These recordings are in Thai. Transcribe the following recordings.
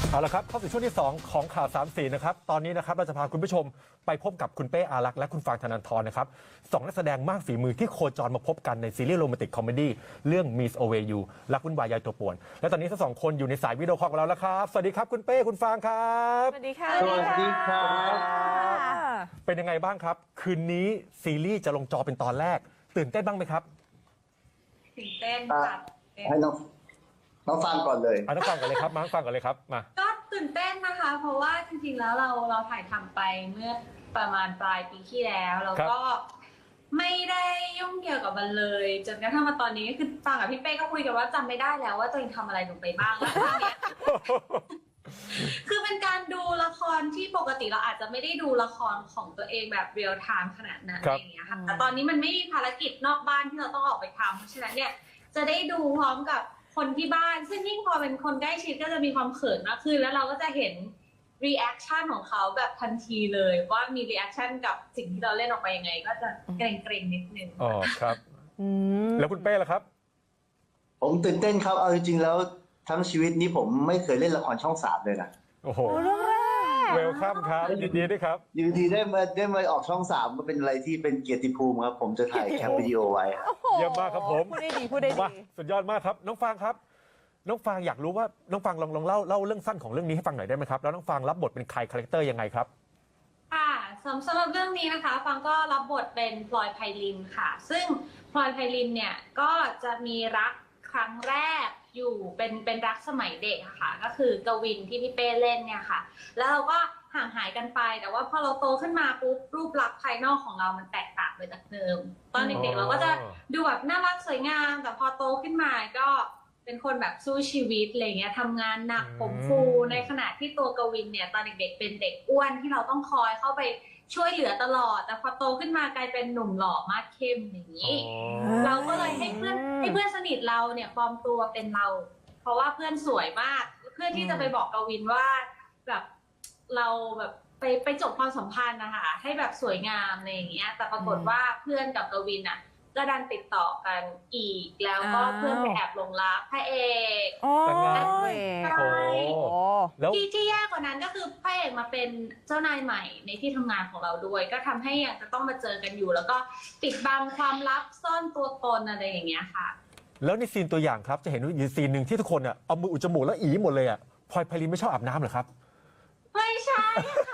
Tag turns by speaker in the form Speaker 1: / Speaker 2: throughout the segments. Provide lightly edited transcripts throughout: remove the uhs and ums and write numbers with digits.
Speaker 1: เอาละครับเข้าสู่ช่วงที่2ของข่าว3สีนะครับตอนนี้นะครับเราจะพาคุณผู้ชมไปพบกับคุณเป้อารักษ์และคุณฟางธนันทรนะครับ2นักแสดงมากฝีมือที่โคจรมาพบกันในซีรีส์โรแมนติกคอมเมดี้เรื่อง Miss Away You รักวุ่นวายยายตัวป่วนและตอนนี้ทั้งสองคนอยู่ในสายวิดีโอคอลกับเราแล้วครับสวัสดีครับคุณเป้คุณฟางครับ
Speaker 2: สวัสดีค่ะ
Speaker 3: สวัสดีครับ
Speaker 1: เป็นยังไงบ้างครับคืนนี้ซีรีส์จะลงจอเป็นตอนแรกตื่นเต้นบ้างไหมครับ
Speaker 2: ตื่นเต้นค่ะ
Speaker 3: ให้น้องฟังก่อนเลย
Speaker 1: น้องฟางก่อนเลยครับมาฟังก่อนเลยครับมา
Speaker 2: ก็ตื่นเต้นนะคะ เพราะว่าจริงๆแล้วเราถ่ายทำไปเมื่อประมาณปลายปีที่แล้วแล้วก็ไม่ได้ยุ่งเกี่ยวกับมันเลยจนกระทั่งมาตอนนี้คือฟังกับพี่เป้ก็คุยกันว่าจำไม่ได้แล้วว่าตัวเองทำอะไรลงไปบ้างแล้วตอนนี้ คือเป็นการดูละครที่ปกติเราอาจจะไม่ได้ดูละครของตัวเองแบบเรียลไทม์ขนาดนั้นอะไรอย่างเงี้ยค่ะแต่ตอนนี้มันไม่มีภารกิจนอกบ้านที่เราต้องออกไปทำเพราะฉะนั้นเนี่ยจะได้ดูพร้อมกับคนที่บ้านซึ่งยิ่งพอเป็นคนใกล้ชิดก็จะมีความเขินมากขึ้นแล้วเราก็จะเห็นรีแอคชั่นของเขาแบบทันทีเลยว่ามีรีแอคชั่นกับสิ่งที่เราเล่นออกไปยังไงก็จะเกรงๆนิดนึง
Speaker 1: อ๋อครับแล้วคุณเป้ล่ะครับ
Speaker 3: ผมตื่นเต้นครับ เอาจริงๆแล้วทั้งชีวิตนี้ผมไม่เคยเล่นละครช่อง3เลยนะ
Speaker 1: โอ้โห
Speaker 2: เรื่องแรก
Speaker 1: เวลคัมครับยินดีด้วยครับ
Speaker 3: อยู่ดีได้มาออกช่อง3ก็เป็นอะไรที่เป็นเกียรติภูมิครับ ผมจะถ่ายแคปวิดีโอไว้ครับ
Speaker 1: เยี่ยมมากครับผม
Speaker 2: พูดได้ดีพูดได้
Speaker 1: มา
Speaker 2: ดี
Speaker 1: สุดยอดมากครับน้องฟางครับน้องฟางอยากรู้ว่าน้องฟางลองเล่าเรื่องสั้นของเรื่องนี้ให้ฟังหน่อยได้ไหมครับแล้วน้องฟางรับบทเป็นใครคาแรคเตอร์ยังไงครับ
Speaker 2: ค่ะสำหรับเรื่องนี้นะคะฟังก็รับบทเป็นพลอยไพลินค่ะ ซึ่งพลอยไพลินเนี่ยก็จะมีรักครั้งแรกอยู่เป็นรักสมัยเด็กอะค่ะก็คือกวินที่พี่เป้เล่นเนี่ยค่ะแล้วเราก็ห่างหายกันไปแต่ว่าพอเราโตขึ้นมาปุ๊บรูปลักษณ์ภายนอกของเรามันแตกต่างไปจากเดิมตอนเด็กๆเราก็จะดูแบบน่ารักสวยงามแต่พอโตขึ้นมาก็เป็นคนแบบสู้ชีวิตอะไรเงี้ยทำงานหนักผมฟูในขณะที่ตัวกวินเนี่ยตอนเด็กๆเป็นเด็กอ้วนที่เราต้องคอยเข้าไปช่วยเหลือตลอดแต่พอโตขึ้นมากลายเป็นหนุ่มหล่อมากเข้มอย่างนี้เราก็เลยให้เพื่อนสนิทเราเนี่ยปลอมตัวเป็นเรา เพราะว่าเพื่อนสวยมากเพื่อที่จะไปบอกกวินว่าแบบเราแบบไปจบความสัมพันธ์นะคะให้แบบสวยงามอะไรอย่างเงี้ยแต่ปรากฏว่าเพื่อนกับกวินอ่ะก็ดันติดต่อกันอีกแล้วก็เพื่อนไปแอบหลงรักพระเอก
Speaker 1: โอ้ย
Speaker 2: ใช่
Speaker 1: แล้ว
Speaker 2: ที่แย่กว่านั้นก็คือพระเอกมาเป็นเจ้านายใหม่ในที่ทำงานของเราด้วยก็ทำให้ยังจะต้องมาเจอกันอยู่ แล้วก็ปิดบังความลับซ่อนตัวตนอะไรอย่างเงี้ยค่ะ
Speaker 1: แล้วในซีนตัวอย่างครับจะเห็นอยู่ซีนหนึ่งที่ทุกคนอ่ะเอามืออุดจมูกแล้วอีหมดเลยอ่ะพลอยไพลินไม่ชอบอาบน้ำเหรอครับ
Speaker 2: ไม่ใช่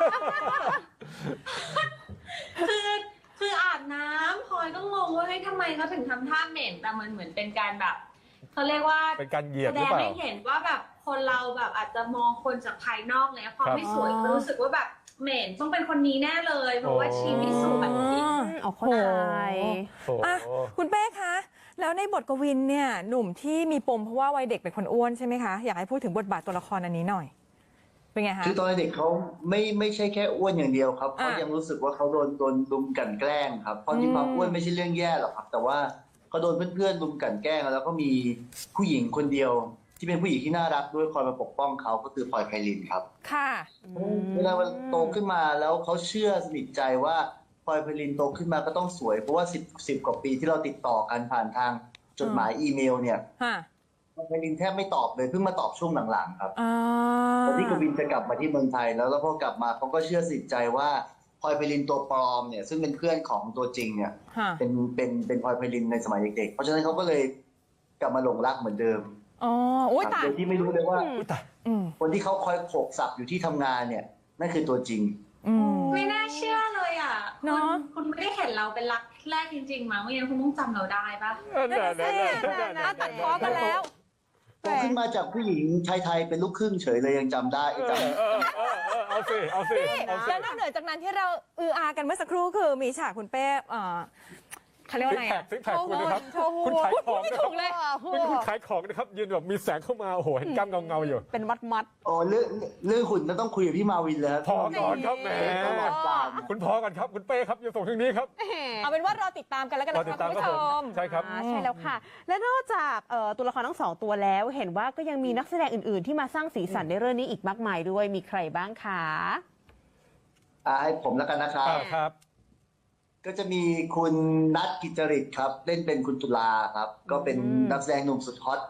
Speaker 2: คืออาบน้ำพลอยก็งงว่าเฮ้ยทำไมเขาถึงทำท่าเหม็นแต่มันเหมือนเป็นการแบบเขาเรียกว่า
Speaker 1: เป็นการเหยียด
Speaker 2: แส
Speaker 1: หรื
Speaker 2: ด
Speaker 1: อง เปล่า
Speaker 2: ให้เห็นว่าแบบคนเราแบบอาจจะมองคนจากภายนอกเนี่ยพอไม่สวยก็รู้สึกว่าแบบเหม็นต้องเป็นคนนี้แน่เลยเพราะว่าชีไม่สวย
Speaker 4: เอาเข้าใจ
Speaker 1: โอ้โห
Speaker 4: อ่ะคุณเป้คะ แล้วในบทกวินเนี่ยหนุ่มที่มีปมเพราะว่าวัยเด็กเป็นคนอ้วนใช่ไหมคะ อยากให้พูดถึงบทบาทตัวละครอันนี้หน่อย เป็นไงคะ
Speaker 3: คือตอนเด็กเขาไม่ใช่แค่อ้วนอย่างเดียวครับ
Speaker 4: อ่ะ
Speaker 3: เขายังรู้สึกว่าเขาโดนลุมกลั่นแกล้งครับเพราะที่ความอ้วนไม่ใช่เรื่องแย่หรอกครับ แต่ว่าเขาโดนเพื่อนๆลุมกลั่นแกล้งแล้วก็มีผู้หญิงคนเดียว ที่เป็นผู้หญิงที่น่ารักด้วยคอยมาปกป้องเขาก็คือพลอยไพลินครับ
Speaker 4: ค่ะ
Speaker 3: เวลาโตขึ้นมาแล้วเขาเชื่อสนิทใจว่าพลอยไพลินโตขึ้นมาก็ต้องสวยเพราะว่า10กว่าปีที่เราติดต่อกันผ่านทางจดหมายอีเมลเนี่ย
Speaker 4: ค่ะ
Speaker 3: พลอยไพลินแทบไม่ตอบเลยเพิ่งมาตอบช่วงหลังๆครับ
Speaker 4: อ่า
Speaker 3: ตอนที่กวินจะกลับมาที่เมืองไทยแล้วพอกลับมาเขาก็เชื่อสนิทใจว่าพลอยไพลินตัวปลอมเนี่ยซึ่งเป็นเพื่อนของตัวจริงเนี่ย
Speaker 4: ค่ะ
Speaker 3: เป็นพลอยไพลินในสมัยเด็กๆเพราะฉะนั้นเขาก็เลยกลับมาหลงรักเหมือนเดิม
Speaker 4: อ๋ออุ้ย
Speaker 3: ครับ
Speaker 4: ตาย
Speaker 3: โดยที่ไม่รู้เลยว่า
Speaker 1: อุ๊ยตาย
Speaker 4: อืม
Speaker 3: คนที่เขาคอยโขกสับอยู่ที่ทำงานเนี่ยนั่นคือตัวจริง
Speaker 4: อืม
Speaker 2: ไม่น่าเชื่อเลยอ่ะ
Speaker 4: เนอะ
Speaker 2: คุณไม่ได้เห็นเราเป็นรักแรกจริงๆมั้งไม่งั้นคุณต้องจำเราได้ปะ
Speaker 4: นั่นน่ะสิตัดพ้อกันแล้ว
Speaker 3: โตขึ้นมาจากผู้หญิงไทยๆเป็นลูกครึ่งเฉยเลยยังจำได้จำ
Speaker 1: เอาสิเอาสิเอาสิ
Speaker 4: แล้วนอกเหนือจากนั้นที่เราอากันเมื่อสักครู่คือมีฉากคุณเป้เขาเรียกว่าอะไรอะ
Speaker 1: ซิกแพคคุณนะครับ
Speaker 4: โชว์หุ่
Speaker 1: คุณ
Speaker 4: น
Speaker 1: ขายของ
Speaker 4: ไม่
Speaker 1: นะค
Speaker 4: ถู
Speaker 1: รับ
Speaker 4: กเลย
Speaker 1: คุณขายของนะครับยืนแบบมีแสงเข้ามาโอ้โหเห็นกล้ามเงาๆอยู่
Speaker 4: เป็นมัด
Speaker 3: โอ้เรื่องหุ่นเราต้องคุยกับพี่มาวินเลยครับ
Speaker 1: พอก่อนครับแหม
Speaker 3: ตลอดการ
Speaker 1: คุณพอกันครับคุณเป้ครับอย่าส่งทางนี้ครับ
Speaker 4: เอาเป็นว่ารอติดตามกันแล้วกัน
Speaker 1: รอ
Speaker 4: นะ
Speaker 1: ติ
Speaker 4: คะ
Speaker 1: ดตาม
Speaker 4: คุณ
Speaker 1: ครับ
Speaker 4: ผู้ช
Speaker 1: ผม
Speaker 4: ม
Speaker 1: ใช่ครับ
Speaker 5: ใช่แล้วค่ะ และนอกจากตัวละครทั้งสองตัวแล้ว เห็นว่าก็ยังมีนักแสดงอื่น ๆ ที่มาสร้างสีสันในเรื่องนี้อีกมากมายด้วยมีใครบ้างคะ
Speaker 3: ให้ผมแล้วกันนะครับ
Speaker 1: ครับ
Speaker 3: ก็จะมีคุณนัทกิจจริตครับ เล่นเป็นคุณตุลาครับ ก็เป็นนักแสดงหนุ่มสุดฮอต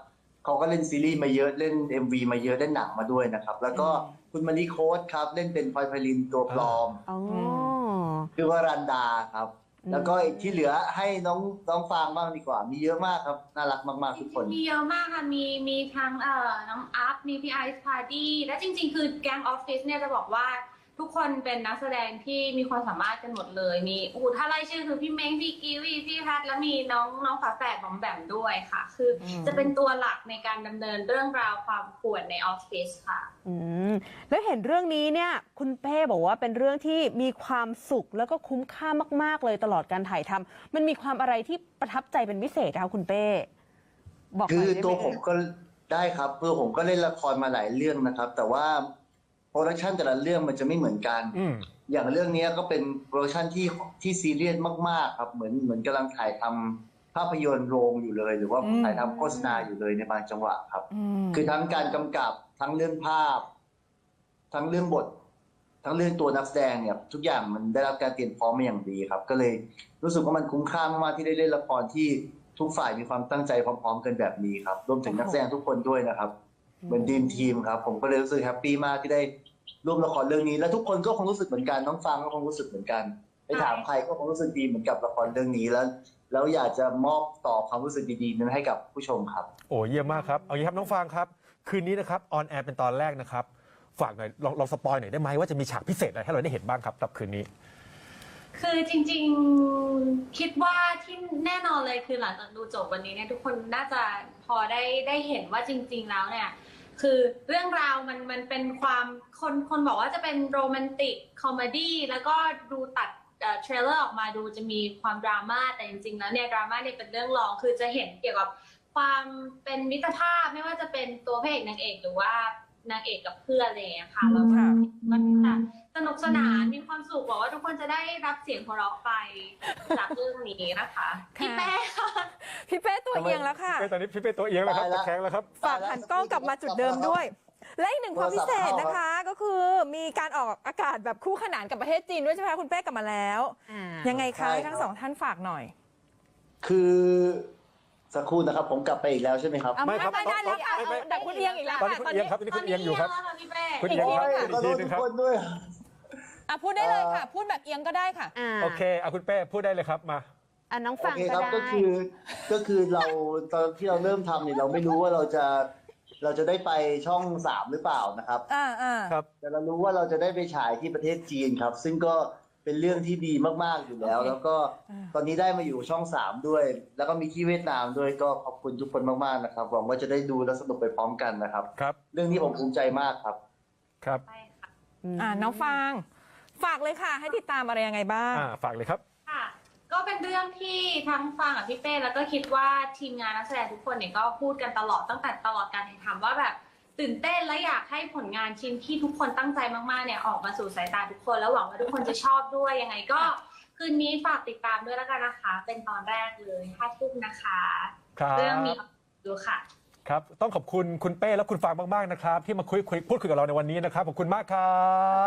Speaker 3: เขาก็เล่นซีรีส์มาเยอะเล่น MV มาเยอะเล่นหนังมาด้วยนะครับแล้วก็คุณมารีโค้ดครับเล่นเป็นพลอยไพลินตัวปลอม
Speaker 5: อ๋อ
Speaker 3: คือว่ารันดาครับแล้วก็อีกที่เหลือให้น้องฟางบ้างดีกว่ามีเยอะมากครับน่ารักมากๆทุกคน
Speaker 2: มีเยอะมากค่ะ มีทั้งน้องอัพ มีพี่ไอซ์พาร์ดี้ และจริงๆ คือแก๊งออฟฟิศเนี่ยจะบอกว่าทุกคนเป็นนักแสดงที่มีความสามารถกันหมดเลย มีถ้าไล่ชื่อคือพี่เม้ง พี่กิวี่ พี่พัทแล้วมีน้องฝาแฝดของแบมด้วยค่ะ คือจะเป็นตัวหลักในการดำเนินเรื่องราวความป่วนในออฟฟิศค่ะ
Speaker 5: แล้วเห็นเรื่องนี้เนี่ยคุณเป้บอกว่าเป็นเรื่องที่มีความสุขแล้วก็คุ้มค่ามากๆเลยตลอดการถ่ายทำมันมีความอะไรที่ประทับใจเป็นพิเศษคะคุณเป้บอกห
Speaker 3: คื
Speaker 5: น่
Speaker 3: อย
Speaker 5: ได้ไหม
Speaker 3: ตัวผมก็ได้ครับตัวผมก็เล่นละครมาหลายเรื่องนะครับ แต่ว่าโปรดักชันแต่ละเรื่องมันจะไม่เหมือนกัน อย่างเรื่องนี้ก็เป็นโปรดักชันที่ซีเรียสมากๆครับเหมือนกำลังถ่ายทำภาพยนตร์โรงอยู่เลย หรือว่าถ่ายทำโฆษณาอยู่เลยในบางจังหวะครับ คือทั้งการกำกับทั้งเรื่องภาพ ทั้งเรื่องบท ทั้งเรื่องตัวนักแสดงเนี่ยทุกอย่างมันได้รับการเตรียมพร้อมมาอย่างดีครับ ก็เลยรู้สึกว่ามันคุ้มค่ามากๆที่ได้เล่นละครที่ทุกฝ่ายมีความตั้งใจพร้อมๆกันแบบนี้ครับรวมถึงนักแสดงทุกคนด้วยนะครับเหมือนดีมทีมครับผมก็เลยรู้สึกแฮปปี้มากที่ได้ร่วมละครเรื่องนี้และทุกคนก็คงรู้สึกเหมือนกันน้องฟังก็คงรู้สึกเหมือนกันไปถามใครก็คงรู้สึกดีเหมือนกับละครเรื่องนี้แล้วอยากจะมอบต่อความรู้สึกดีๆนั้นให้กับผู้ชมครับ
Speaker 1: โอ้เยี่ยมมากครับเอางี้ครับน้องฟางครับคืนนี้นะครับออนแอร์เป็นตอนแรกนะครับฝากหน่อยลองสปอยหน่อยได้ไหมว่าจะมีฉากพิเศษอะไรให้เราได้เห็นบ้างครับกับคืนนี้
Speaker 2: คือจริงๆคิดว่าที่แน่นอนเลยคือหลังจากดูจบวันนี้เนี่ยทุกคนน่าจะพอได้เห็นว่าจริงๆแล้วเนี่ยคือเรื่องราวมันเป็นความคนบอกว่าจะเป็นโรแมนติกคอมเมดี้แล้วก็ดูตัดเทรลเลอร์ออกมาดูจะมีความดราม่าแต่จริงๆแล้วเนี่ยดราม่าเนี่ยเป็นเรื่องรองคือจะเห็นเกี่ยวกับความเป็นมิตรภาพไม่ว่าจะเป็นตัวพระเอกนางเอกหรือว่านางเอกกับเพื่อนอะไรอย่างเงี้ยค่ะแล้วก็มันสนุกสนานมีความสุขบอกว่าทุกคนจะได้รับเสียงหัวเราะไปจากเรื่องนี้นะคะพี่แป้ค่ะ
Speaker 4: พี่เป้ตัวเอียงแล้วค่ะ
Speaker 1: ตอนนี้พี่เป้ตัวเอียงแล้วครับ
Speaker 3: ตายละ
Speaker 1: ตะแคงแล้วครับ
Speaker 4: ฝากหันกล้องกลับมาจุดเดิมด้วย และอีกหนึ่งความพิเศษนะคะ ก็คือมีการออกอากาศแบบคู่ขนานกับประเทศจีนด้วยใช่ไหมคะคุณเป้กลับมาแล้ว ยังไงคะทั้งสองท่านฝากหน่อย
Speaker 3: คือสักครู่นะครับผมกลับไปอีกแล้วใช่ไหมครับ
Speaker 1: ไม่ครับ
Speaker 4: ได้แล้วค่ะ
Speaker 1: ไม่
Speaker 4: แต่คุณเอียงอีกแล้ว
Speaker 1: ตอนนี้คุณเอียงครับตอนนี้คุณเอียงอยู่ครับ
Speaker 2: พี่เป้
Speaker 1: คุณเอียงครับ
Speaker 3: ขอโทษทุกคนด้วย
Speaker 4: อ่ะพูดได้เลยค่ะ พูดแบบเอียงก็ได้ค่ะ
Speaker 1: โอเคเอาคุณเป้พูดได้เลยครับมา
Speaker 5: น้อง
Speaker 3: โอ
Speaker 5: ฟัง
Speaker 3: เค
Speaker 5: ก็
Speaker 3: ครับ
Speaker 5: ได้
Speaker 3: ก็คือเราตอนที่เราเริ่มทำเนี่ยเราไม่รู้ว่าเราจะได้ไปช่อง3หรือเปล่านะครับ
Speaker 1: ครับ
Speaker 3: แต่เรารู้ว่าเราจะได้ไปฉายที่ประเทศจีนครับ ซึ่งก็เป็นเรื่องที่ดีมากๆอยู่แล้ว
Speaker 4: โอเค
Speaker 3: แล้วก็ตอนนี้ได้มาอยู่ช่อง3ด้วย แล้วก็มีที่เวียดนามด้วยก็ขอบคุณทุกคนมากๆนะครับหวังว่าจะได้ดูและสนุกไปพร้อมกันนะครับ
Speaker 1: ครับ
Speaker 3: เรื่องนี้ผมภูมิใจมากครับ
Speaker 1: ครับ
Speaker 2: ใช่ค่ะ
Speaker 4: น้องฟางฝากเลยค่ะ ให้ติดตามอะไรยังไงบ้าง
Speaker 1: ฝากเลยครับ
Speaker 2: ค่ะ ก็เป็นเรื่องที่ทั้งฟังกับพี่เป้แล้วก็คิดว่าทีมงานนักแสดงทุกคนเนี่ยก็พูดกันตลอดตั้งแต่ตลอดการถ่ายทำว่าแบบตื่นเต้นและอยากให้ผลงานชิ้นที่ทุกคนตั้งใจมากๆเนี่ยออกมาสู่สายตาทุกคนแล้วหวังว่าทุกคนจะชอบด้วยยังไงก็คืนนี้ฝากติดตามด้วยแล้วกันนะคะ เป็นตอนแรกเลย5 ทุ่มนะคะ
Speaker 1: ครับ
Speaker 2: เรื่องมีดูค่ะ
Speaker 1: ครับต้องขอบคุณคุณเป้และคุณฟางมากๆนะครับที่มาพูดคุยกับเราในวันนี้นะครับขอบคุณมากครับ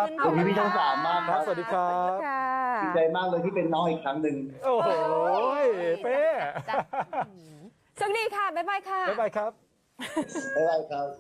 Speaker 3: ขอบคุณพี่ช่อง3มากครับ
Speaker 1: สวัสดีครับ
Speaker 5: ค่ะ
Speaker 3: ดีใจมากเลยที่เป็นน้องอีกครั้งหนึ่ง
Speaker 1: โอ้โหเป้
Speaker 4: สวัสดีค่ะ บ๊ายบายค่ะ
Speaker 1: บ๊ายบายครับ
Speaker 3: บ๊ายบายครับ